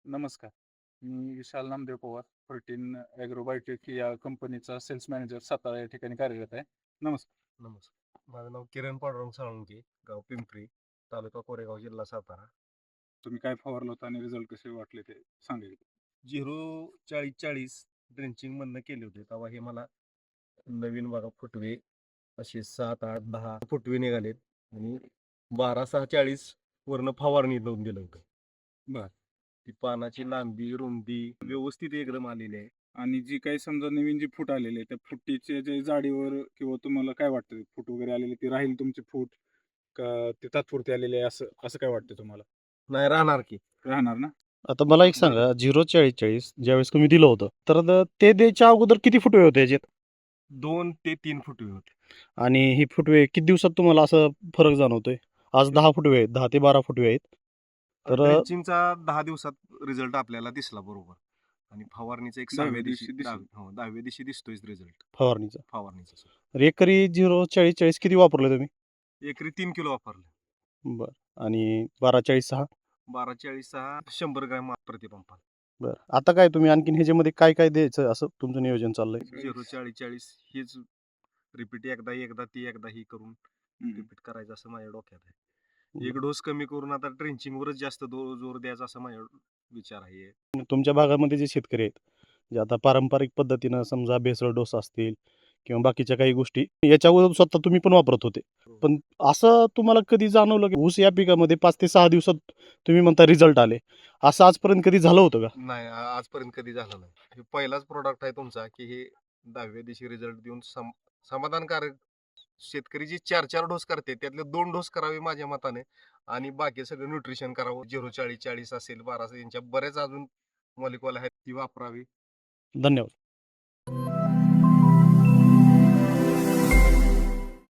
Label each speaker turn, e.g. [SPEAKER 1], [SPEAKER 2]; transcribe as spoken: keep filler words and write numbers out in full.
[SPEAKER 1] नमस्कार. मी Vishal Namdev Pawar, fourteen agrobiotech या कंपनीचा सेल्स मॅनेजर सातारा या ठिकाणी कार्यरत आहे. नमस्कार.
[SPEAKER 2] नमस्कार. माझं नाव किरण पांडुरंग साळुंके, गाव पिंपरी, तालुका कोरेगाव, जिल्हा सातारा.
[SPEAKER 1] तुम्ही काय फवारलं होतं आणि रिझल्ट कसे वाटले ते सांगा की?
[SPEAKER 2] झिरो चाळीस चाळीस ड्रेंचिंग मधनं केले होते. तेव्हा हे मला नवीन बघा फुटवे असे सात आठ दहा फुटवे निघालेत आणि बारा सहा चाळीस वरनं फवारणी लावून दिलं होतं.
[SPEAKER 1] बरं.
[SPEAKER 2] ती पानाची लांबी रुंदी व्यवस्थित एकदम आलेली आहे.
[SPEAKER 1] आणि जी काही समजा नवीन जी फूट आलेली आहे, त्या फुटीच्या जे जाडीवर किंवा तुम्हाला काय वाटतं फूट वगैरे आलेली ती राहील तुमची फूट का ते तात्पुरती आलेली आहे असं असं काय वाटतं तुम्हाला?
[SPEAKER 2] नाही राहणार की.
[SPEAKER 1] राहणार ना?
[SPEAKER 3] आता मला एक सांगा, झिरो चाळीस चाळीस ज्यावेळेस तुम्ही दिलं होतं, तर द- ते द्यायच्या अगोदर किती फुटवे होते याच्यात?
[SPEAKER 2] दोन ते तीन फुटवे होते.
[SPEAKER 3] आणि ही फुटवे किती दिवसात तुम्हाला असं फरक जाणवतोय? आज दहा फुटवे आहेत, दहा ते बारा फुटवे आहेत. तर
[SPEAKER 2] ड्रेंचिंगचा दहा दिवसात रिझल्ट आपल्याला दिसला बरोबर. आणि फवारणीचा एक
[SPEAKER 1] दहाव्या
[SPEAKER 2] सहाव्या दिवशी
[SPEAKER 1] दिवशी दिसेल.
[SPEAKER 2] दहाव्या हो दहाव्या दिवशी दिसतोय रिझल्ट
[SPEAKER 3] फवारणीचा
[SPEAKER 2] फवारणीचा सर.
[SPEAKER 3] तर एकरी झिरो चाळीस चाळीस किती वापरले तुम्ही?
[SPEAKER 2] एकरी तीन किलो वापरलं.
[SPEAKER 3] बरं. आणि बारा चाळीस सहा?
[SPEAKER 2] बारा चाळीस सहा शंभर ग्रॅम प्रतिपंपाला.
[SPEAKER 3] बरं. आता काय तुम्ही आणखीन ह्याच्यामध्ये काय काय द्यायचं असं तुमचं नियोजन चाललंय?
[SPEAKER 2] झिरो चाळीस चाळीस हीच रिपीट एकदा एकदा ती एकदा ही करून
[SPEAKER 1] हम्म.
[SPEAKER 2] रिपीट करायचं असं माझ्या डोक्यात आहे. एक डोस कमी करून आता ट्रेंचिंग वरच जास्त दो- जोर द्यायचा असं माझ्या विचार आहे.
[SPEAKER 3] तुमच्या भागामध्ये जे शेतकरी आहेत, जे आता पारंपरिक पद्धतीनं समजा भेसळ डोस असतील किंवा बाकीच्या काही गोष्टी याच्या अगोदर स्वतः तुम्ही पण वापरत होते. पण असं तुम्हाला कधी जाणवलं की ऊस या पिकामध्ये पाच ते सहा दिवसात तुम्ही म्हणता रिझल्ट आले, असं आजपर्यंत कधी झालं होतं का?
[SPEAKER 2] नाही आ- आजपर्यंत कधी झालं नाही. हे पहिलाच प्रोडक्ट आहे तुमचा की हे दहाव्या दिवशी रिझल्ट देऊन सम समाधानकारक. शेतकरी जे चार चार डोस करते त्यातले दोन डोस करावे माझ्या मताने आणि बाकी सगळं न्यूट्रिशन करावं. झिरो चाळीस चाळीस असेल बारा असेल यांच्या बऱ्याच अजून मॉलिक्युल आहेत ती वापरावी.
[SPEAKER 3] धन्यवाद.